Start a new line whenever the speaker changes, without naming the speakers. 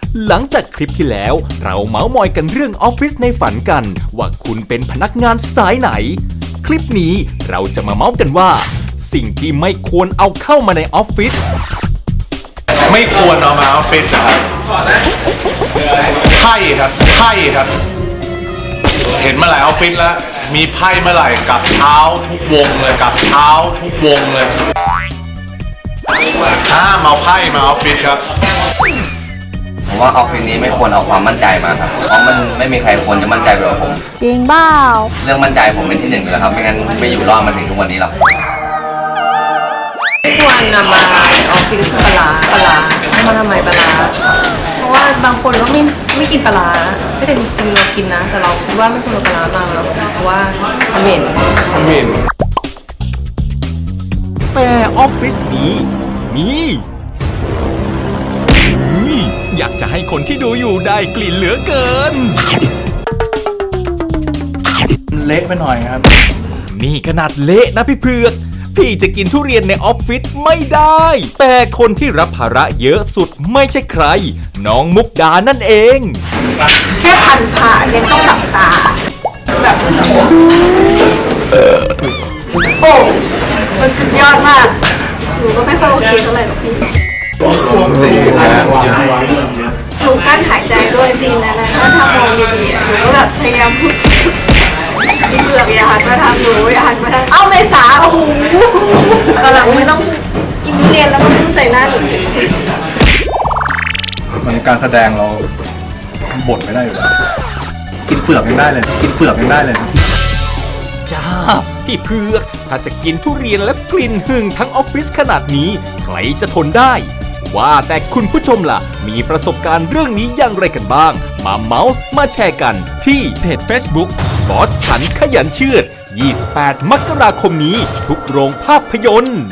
หลังจากคลิปที่แล้วเราเมาส์มอยกันเรื่องออฟฟิศในฝันกันว่าคุณเป็นพนักงานสายไหนคลิปนี้เราจะมาเมาส์กันว่าสิ่งที่ไม่ควรเอาเข้ามาในออฟฟิศ
ไม่ควรเอามาออฟฟิศนะครับไพ่ครับเห็นมาหลายออฟฟิศแล้วมีไพ่เมื่อไหร่กับเท้าทุกวงเลยห้ามเอาไพ่มาออฟฟิศครับ
ผมว่าออฟฟิศนี้ไม่ควรเอาความมั่นใจมาครับเพราะมันไม่มีใครควรจะมั่นใจไปกว่าผม
จริงเปล่า
เรื่องมั่นใจผมเป็นที่หนึ่งอยู่แล้วครับไม่งั้นไม่อยู่รอดมาถึงทุกวันนี้หรอก
ไม่ควรนำมาออฟฟิศปลาเอามาทำไมปลาเพราะว่าบางคนก็ไม่กินปลาก็จริงๆเรากินนะแต่เราคิดว่าไม่ควรเอาปลามาเพราะว่าเหม็น
แต่ออฟฟิศนี้มีอยากจะให้คนที่ดูอยู่ได้กลิ่นเหลือเกิน
เละไปหน่อยครับ
นี่ขนาดเละนะพี่เผือกพี่จะกินทุเรียนในออฟฟิศไม่ได้แต่คนที่รับภาระเยอะสุดไม่ใช่ใครน้องมุกดานั่นเอง
แค่พันผ่ายังต้องหลับตาแบบโอ้มันสุดยอดมากหนูก็ไม่ค่อยโอเคเท่าไหร่หรอกพี่หนูกั้นหายใจด้วยซีนนั้นนะถ้ามองดีๆหนูก็แบบพยายามพูดเบือกอย่าหันมาทางหนูอย่าหันมาทางเอ้าเมษาโอ้โหตอนหลังไม่ต้องกินเรียนแล้วมันต้องใส่หน้าหนู
มันการแสดงเราบทไม่ได้อยู่แล้วกินเปลือกยังได้เลย
จ้าพี่เผือกถ้าจะกินทุเรียนและกลิ่นหึ่งทั้งออฟฟิศขนาดนี้ใครจะทนได้ว่าแต่คุณผู้ชมล่ะมีประสบการณ์เรื่องนี้อย่างไรกันบ้างมาเมาส์มาแชร์กันที่เพจ Facebook บอสฉันขยันเชือด28 มกราคมนี้ทุกโรงภาพยนตร์